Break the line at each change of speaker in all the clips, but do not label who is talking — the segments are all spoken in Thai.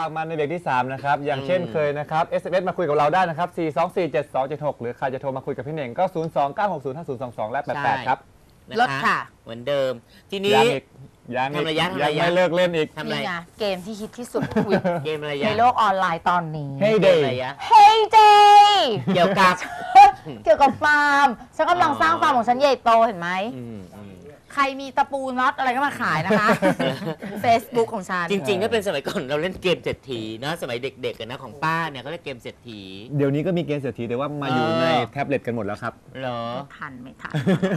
ากมันในเบรกที่3นะครับอย่างเช่นเคยนะครับ SMS มาคุยกับเราได้นะครับ4247276หรือใครจะโทรมาคุยกับพี่เน่งก็029605022และ88ครับ
ลดค่ะ
เหมือนเดิมทีนี้
ยังไม่เลิกเล่นอีก
นี่ไงเกมที่ฮิตที่สุด
เกมอะไร
ในโลกออนไลน์ตอนนี้
Hey Day
Hey Day
เกี่ยวกับ
ฟาร์มฉันกำลังสร้างฟาร์มของฉันใหญ่โตเห็นไหมใครมีตะปูน็อตอะไรก็มาขายนะคะ Facebook ของฉัน
จริงๆถ้าเป็นสมัยก่อนเราเล่นเกมเศรษฐีนะสมัยเด็กๆนะของป้าเนี่ยเขาเล่นเกมเศรษฐี
เดี๋ยวนี้ก็มีเกมเศรษฐีแต่ว่ามาอยู่ในแท็บเล็ตกันหมดแล้วครับ
เหรอ
ไม่ทัน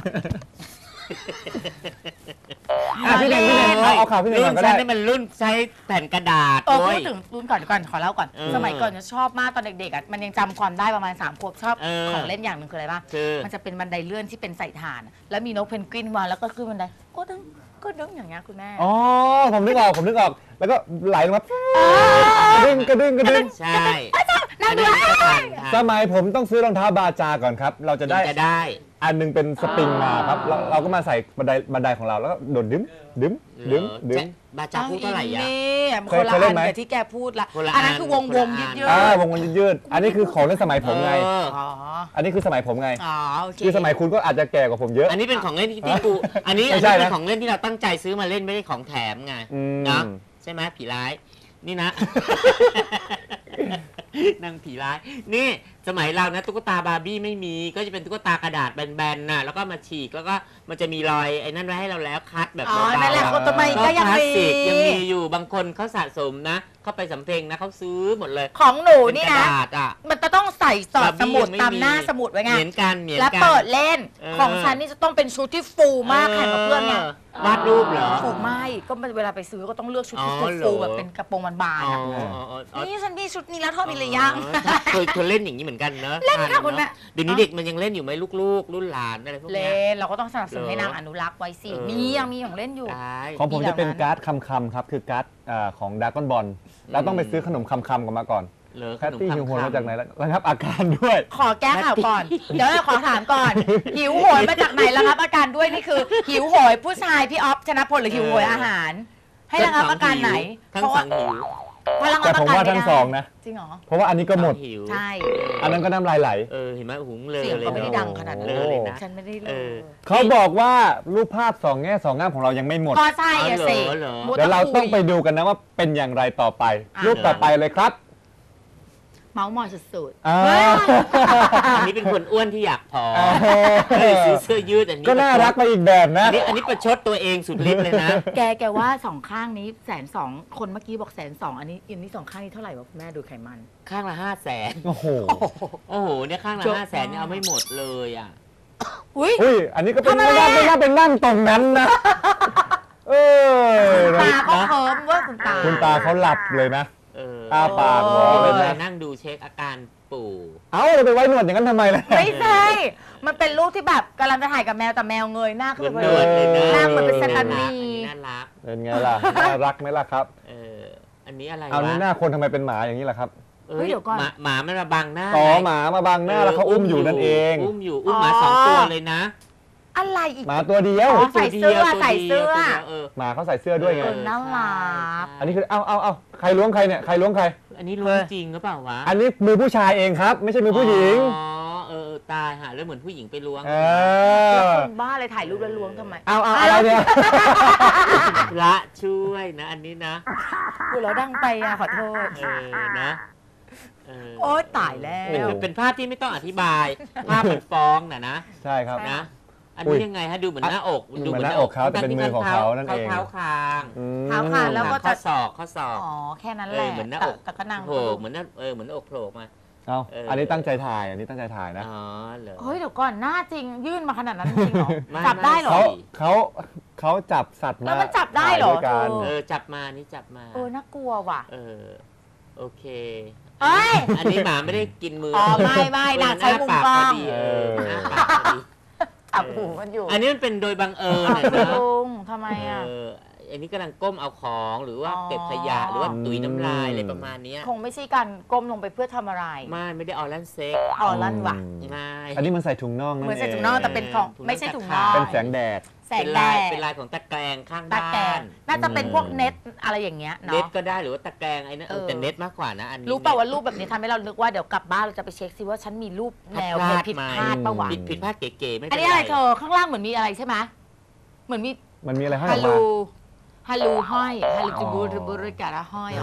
พี่เน่งเอาข่าวพี่เน่งก่อนก็ได้
รุ่นมันรุ่นใช้แผ่นกระดาษ
พูดถึงรุ่นก่อนขอเล่าก่อนสมัยก่อนจะชอบมากตอนเด็กๆมันยังจำความได้ประมาณ3 ขวบชอบของเล่นอย่างหนึ่งคืออะไรบ้างมันจะเป็นบันไดเลื่อนที่เป็นใส่ถ่านแล้วมีนกเพนกวินวางแล้วก็ขึ้นบันไดก็ดึงอย่างเงี้ยคุณแม่
อ๋อผมนึกออกแล้วก็ไหลลงมากระดึง
ใช่
นั่นด้วย
สมัยผมต้องซื้อรองเท้าบาจาก่อนครับเราจะได้อันนึงเป็นสปริงมาครับเราก็มาใส่บันไดของเราแล้วก็โดดดึง
บาจาพูดเท่าไหร่
อ่ะคนละอันกับที่แกพูดละอันนั้นคือวง
ยืดอันนี้คือของเล่นสมัยผมไงอันนี้คือสมัยผมไงคือสมัยคุณก็อาจจะแก่กว่าผมเยอะ
อันนี้เป็นของเล่นที่กูอันนี้เป็นของเล่นที่เราตั้งใจซื้อมาเล่นไม่ได้ของแถมไงนะใช่ไหมผีร้ายนี่นะนางผีร้ายนี่สมัยเรานะตุ๊กตาบาร์บี้ไม่มีก็จะเป็นตุ๊กตากระดาษแบนๆน่ะแล้วก็มาฉีกแล้วก็มันจะมีรอยไอ้นั่นไว้ให้เราแล้วคัดแบบ
นั่นแหละคนทำไมก็ยัง
มีอยู่บางคนเขาสะสมนะเขาไปสำเพ็งนะเขาซื้อหมดเลย
ของหนูนี่นะมันจะต้องใส่สอดสมุดตามหน้าสมุดไว้ไง
เหมือนกัน
แล้วเปิดเล่นของฉันนี่จะต้องเป็นชุดที่ฟูมากแข่งกับเพื่อนไง
วาดรูปเหรอ
ฟูไม่ก็เวลาไปซื้อก็ต้องเลือกชุดที่ฟูแบบเป็นกระโปรงบานๆนี่ฉันมีชุดนี้แล้วเธอมีหรือยัง
เคยเล่นอย่างนี้เหมือนกันเนอะ
เล่นค่ะคุณแม่
เดี๋ยวนี้เด็กมันยังเล่นอยู่ไหมลูกรุ่นหลานอะไรพวกนี้
เล่นเราก็ต้องสนับสนุนให้นางอนุรักษ์ไว้สิยังมีของเล่นอยู่
ของผมจะเป็นการ์ดคำครับคือการ์ดของดราก้อนบอลแล้วต้องไปซื้อขนมคำกันมาก่อนแคทตี้หิวโหยมาจากไหนแล้วครับอาการด้วย
ขอแก้ข่าวก่อนเดี๋ยวเราขอถามก่อนหิวโหยมาจากไหนแล้วครับอาการด้วยนี่คือหิวโหยผู้ชายพี่ออฟชนะพลหรือหิวโหยอาหารให้ระงับอาการไหน
ทั้งสองหิว
แต่ผมว่าทั้งสองนะ
จริงเหรอ
เพราะว่าอันนี้ก็หมด
ใช่
อันนั้นก็น้ำลายไหล
เห็นไหมหุงเลย
เสียงก็ไม่ได้ดังขนาดนั้นเลยนะฉันไม่ได้เลย
เขาบอกว่ารูปภาพ2 แง่ 2 งามของเรายังไม่หมด
ก็ใช่สิ
เดี๋ยวเราต้องไปดูกันนะว่าเป็นอย่างไรต่อไปรูปต่อไปเลยครับ
เมาส์มอยสุดๆ
อันนี้เป็นคนอ้วนที่อยากผอมซื้อเสื้อยืดอันนี้
ก็น่ารักไปอีกแบบนะ
อันนี้ประชดตัวเองสุดฤทธิ์เลยนะ
แกว่า2 ข้างนี้120,000คนเมื่อกี้บอก120,000อันนี้2 ข้างนี้เท่าไหร่วะแม่ดูไขมัน
ข้างละ500,000
โอ้โห
เนี่ยข้างละ500,000เนี่ยเอาไม่หมดเลยอ่ะ
อุ้ยอันนี้ก็เป็นไม่น่าเป็นนั่งตรงนั้นนะ
ตาเขาเคิร์มว่า
คุณตาเขาหลับเลยนะปากงอเลยนะ
นั่งดูเช็คอาการปู่
เราไปไว้หนวดอย่างนั้นทำไมล่ะ
ไม่ใช่มันเป็นรูปที่แบบกำลังจะถ่ายกับแมวแต่แมวเงยหน้าขึ้นไปเลยหน้าเหมือนเป็นสถานี
น่ารัก
เป็นไงล่ะน่ารักไหมล่ะครับ
อันนี้อะไร
เอานี่หน้าคนทำไมเป็นหมาอย่างนี้ล่ะครับ
เดี๋ยวก่อน
หมามันมาบังหน้า
หมามาบังหน้าแล้วเขาอุ้มอยู่นั่นเอง
อุ้มหมา2 ตัวเลยนะ
อะไรอีก
หมาตัวเดียว
ใส่เสื้อ
หมาเขาใส่เสื้อด้วยไง
น่ารัก
อันนี้คือเอาใครล้วงใครเนี่ยใครล้วงใคร
อันนี้ล้วงจริงหรือเปล่าวะ
อันนี้มือผู้ชายเองครับไม่ใช่มือผู้หญิง
ตายหาเรื่องเหมือนผู้หญิงไปล้วง
คนบ้าเลยถ่ายรูปแล้วล้วงทำไม
อะไรเนี่ย
ละช่วยนะอันนี้นะ
พูดแล้วดังไปขอโทษ
นะ
โอ๊ยตายแล้ว
เป็นภาพที่ไม่ต้องอธิบายภาพมันฟ้องนะ
ใช่ครับ
นะอันนี้ยังไงฮะดูเหมือนหน้าอก
ดูเหมือนหน้าอกเขาแต่เป็นมือของเขานั่นเอง
เท้าคาง
แล้วก็
ข้อศอก
แค่นั้นแหละ
เหมือนหน้าอก
แต่ก็นั่ง
โผล่เหมือนเหมือนอกโผล่มา
อันนี้ตั้งใจถ่ายนะ
เฮ้ยเดี๋ยวก่อนหน้าจริงยื่นมาขนาดนั้นจริงเหรอจับได้เหรอ
เขาจับสัตว์มา
แล้วมันจับได้เหรอ
จับมานี่จับมา
น่ากลัวว่ะ
โอเค
อั
นนี้หมาไม่ได้กินมือ
ไม่น่าใช้มุมกล้อง
จับหูมันอยู่อันนี้มันเป็นโดยบังเอิญนะ
ลุงทำไม
อันนี้กำลังก้มเอาของหรือว่าเก็บขยะหรือว่าตุ๋ยน้ำลายอะไรประมาณเนี้ย
คงไม่ใช่การก้มลงไปเพื่อทำอะไร
ไม่ได้ออลันเซ็ก
อ๋อลั่นว่ะ
ไม่
อันนี้มันใส่ถุงน่องนั่น
เหมือน
เอ
ใส่
ง
ถุงน่องแต่เป็นของไม่ใช่ถุงน่อง
เป็นแสงแดด
แสง
เป็น
แด
ลาย
ด
เป็นลายของตะแกรงข้าง
ตะ
บ้า
แกรง
น
น่าจะเป็นพวกเน็ตอะไรอย่างเงี้ย
เน็ต
เนาะ
ก็ได้หรือว่าตะแกรงไอ้นั่นแต่เน็ตมากกว่านะอันนี้
รู้เปล่าว่ารูปแบบนี้ทำให้เรานึกว่าเดี๋ยวกลับบ้านเราจะไปเช็คซิว่าฉันมีรูปแนวผิดพลาดปะวะ
ผิดพลาดเก๋ๆไม่
อั
เป็น น
นี้อะไรเธอข้างล่างเหมือนมีอะไรใช่ไหมเหมือนมี
มันมีอะไรให้อ
ฮั
อ
ล
ก
โหล
มา
ฮัลโหลห้อยฮัลโหลจูบูรบูรกะระห้อย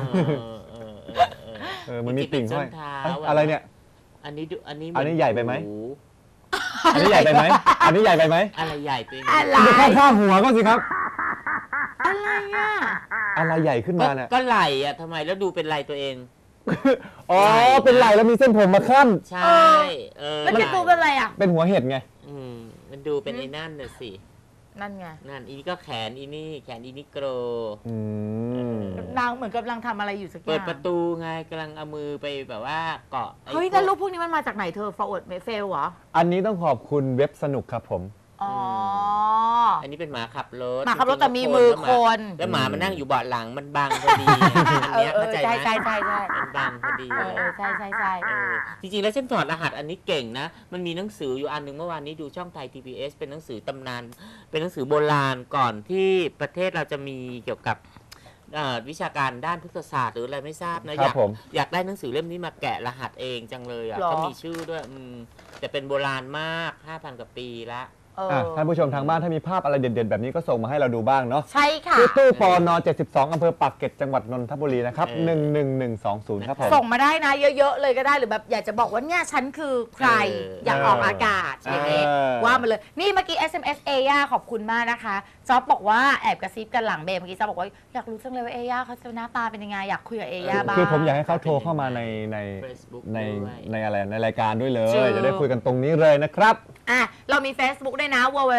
มันมีติ่งห้อย
ส้นเท้า
อะไรเนี่ย
อันนี้ดูอันนี้
อันนี้ใหญ่ไปไหม
โอ้โ
อันนี้ใหญ่ไปไหมอันนี้ใหญ่ไปไหม
อะไรใหญ่ไปไหม
อะไร
ดูข้างๆหัวก็สิครับ
อะไรอ่ะ
อะไรใหญ่ขึ้นมาเนี่ย
ก็ไหลอ่ะทำไมแล้วดูเป็นไหลตัวเอง
อ๋อ เป็นไหล่แล้วมีเส้นผมมาขั้น
ใช่
แล้วแกตูเป็นอะไรอ่ะ
เป็นหัวเห็ดไง
มันดูเป็นไอ้นั่นน่ะสิ
นั่นไง
นั่นอีนี่ก็แขนอีนี่แขนอีนี่โกร
อืม
นางเหมือนกำลังทำอะไรอยู่สักอย่าง
เปิดประตูไงกำลังเอามือไปแบบว่าเกาะไอ้
เฮ้ยแล้วรูปพวกนี้มันมาจากไหนเธอ forward เฟลเหรอ
อันนี้ต้องขอบคุณเว็บสนุกครับผม
อ๋อ
อันนี้เป็นหมาขับรถ
หมาขับรถแต่มีมือคน
แล้วหมามันนั่งอยู่เบาะหลังมันบังพอดีอันเนี้ยเข้าใจไหม
ใช่ใช่
มันบังพอดี
ใช่ใช่
จริงๆแล้วเส้นถอดรหัสอันนี้เก่งนะ มันมีหนังสืออยู่อันหนึ่งเมื่อวานนี้ดูช่องไทย TBS เป็นหนังสือตำนาน เป็นหนังสือโบราณก่อนที่ประเทศเราจะมีเกี่ยวกับวิชาการด้านพฤกษศาสตร์หรืออะไรไม่ทราบนะ
ครับผม
อยากได้หนังสือเล่มนี้มาแกะรหัสเองจังเลยอ่ะก็มีชื่อด้วยแต่เป็นโบราณมาก 5,000 กว่าปีละ
ท่านผู้ชมทางบ้านถ้ามีภาพอะไรเด่นๆ แบบนี้ก็ส่งมาให้เราดูบ้างเนาะ
ใช่ค่ะ
ที่ตู้ปน72อำเภอปากเกร็ดจังหวัดนนทบุรีนะครับ 11120 ครับผม
ส่งมาได้นะเยอะๆเลยก็ได้หรือแบบอยากจะบอกว่าเนี่ยฉันคือใครอยากออกอากาศอย่างนี้ว่ามาเลยนี่เมื่อกี้ SMS เอย่าขอบคุณมากนะคะจ๊อบบอกว่าแอบกระซิบกันหลังเบรกเมื่อกี้จ๊อบบอกว่าอยากรู้จังเลยว่าเอย่าเขาจะหน้าตาเป็นยังไงอยากคุยกับเอย่าบ้าง
คือผมอยากให้เขาโทรเข้ามาใน
Facebook
ใน
ด้วย
ในอะไรในรายการด้วยเลย
จริง
จะได้คุยกันตรงนี้เลยนะครับ
เรามี Facebook ด้วยนะ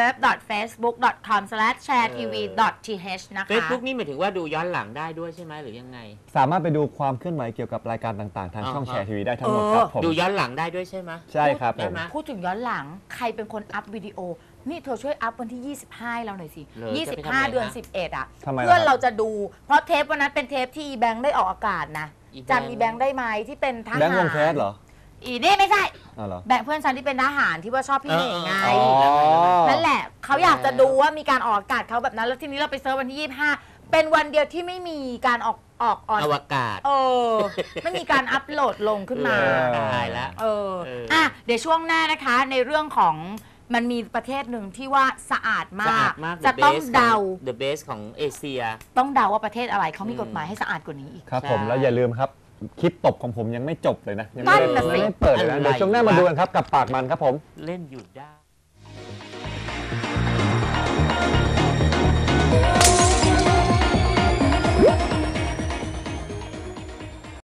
www.facebook.com/sharetv.th นะคะ
Facebook นี่หมายถึงว่าดูย้อนหลังได้ด้วยใช่ไหมหรือยังไง
สามารถไปดูความเคลื่อนไหวเกี่ยวกับรายการต่างๆ ทางช่องแชร์ทีวีได้ทั้งหมดครับผม
ดูย้อนหลังได้ด้วยใช่ไหม
ใช่ครับผ
ได้
ม
ไหม
พูดถึงย้อนหลังใครเป็นคนอัพวิดีโอ นี่เธอช่วยอัพวันที่ 25ให้เราหน่อยสิ
เหรอจะไปทำอะไรนะ
25 เดือน 11 อ่ะ
ทำไมล่ะ
เพื่อนเราจะดู เพราะเทปวันนั้นเป็นเทปที่อีแบงค์ได้ออกอากาศนะ
อีแบงค์
จำอีแบงค์ได้ไหมที่เป็นทหาร
แบงค์วงแคสเหรอ
อีนี่ไม่ใช่
อ๋อเหรอ
แบงค์เพื่อนฉันที่เป็นทหารที่ว่าชอบพี่เหน่งไง
อ๋อ
นั่นแหละเขาอยากจะดูว่ามีการออกอากาศเขาแบบนั้น แล้วทีนี้เราไปเซิร์ชวันที่ 25 เป็นวันเดียวที่ไม่มีการอออน
อวกาศ
ไม่มีการอัพโหลดลงขึ้นมา
ตายแล้ว
เดี๋ยวช่วงหน้านะคะในเรื่องของมันมีประเทศหนึ่งที่ว่าสะอาด
สะ
มา
อาก ดมาก
จะต้องเดา
The best ของเอเชีย
ต้องเดาว่าประเทศอะไรเขามีกฎหมายให้สะอาดกว่านี้อีก
ครับผม
ใช่
แล้วอย่าลืมครับ คลิปตบของผมยังไม่จบเลยนะ ยัง
นั่
ไม่
น
ได้
น่ะสิ
ไม่ได้เปิดเลยนะ
อะไร
เดี๋ยวช่วงหน้ามาดูกันครับกับปากมันครับผม
เล่นอยู่ได้